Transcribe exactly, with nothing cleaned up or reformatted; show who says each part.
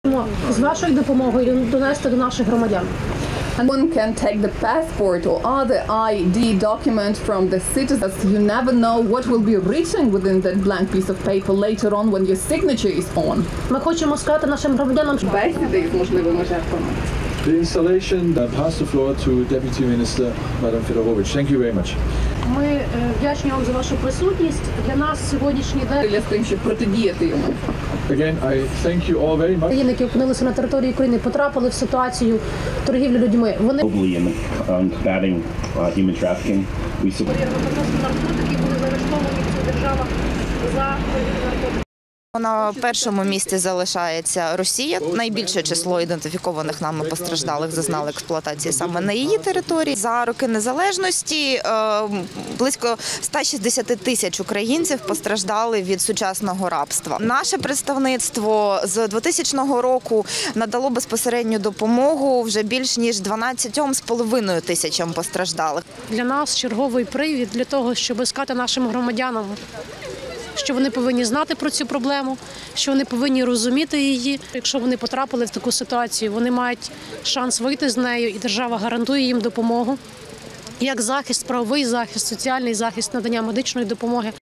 Speaker 1: З вашою допомогою донести до наших громадян.
Speaker 2: One can take the passport or other I D document from the citizens. You never know what will be written within that blank piece of paper later on when your signature is on.
Speaker 1: Ми хочемо сказати нашим громадянам, що
Speaker 2: Бесіди з можливими жертвами.
Speaker 3: The installation, I pass the floor to Deputy Minister, Madam Fedorovich. Thank you very much.
Speaker 1: ми е, вдячні вам за вашу присутність. Для нас сьогоднішній день
Speaker 2: Для тим, щоб протидіяти йому.
Speaker 3: Again, I thank you all very much.
Speaker 1: країни, які опинилися на території України, потрапили в ситуацію торгівлі людьми. Вони
Speaker 4: globally in um, combating uh, human trafficking. We support
Speaker 1: наркотики були заарештовані в цих державах за
Speaker 5: На першому місці залишається Росія. Найбільше число ідентифікованих нами постраждалих зазнали експлуатації саме на її території. За роки незалежності е, близько ста шістдесяти тисяч українців постраждали від сучасного рабства. Наше представництво з двотисячного року надало безпосередню допомогу вже більш ніж дванадцятьом з половиною тисячам постраждалих.
Speaker 1: для нас черговий привід для того, щоб сказати нашим громадянам, що вони повинні знати про цю проблему, що вони повинні розуміти її. Якщо вони потрапили в таку ситуацію, вони мають шанс вийти з нею, і держава гарантує їм допомогу. Як захист, правовий захист, соціальний захист, надання медичної допомоги.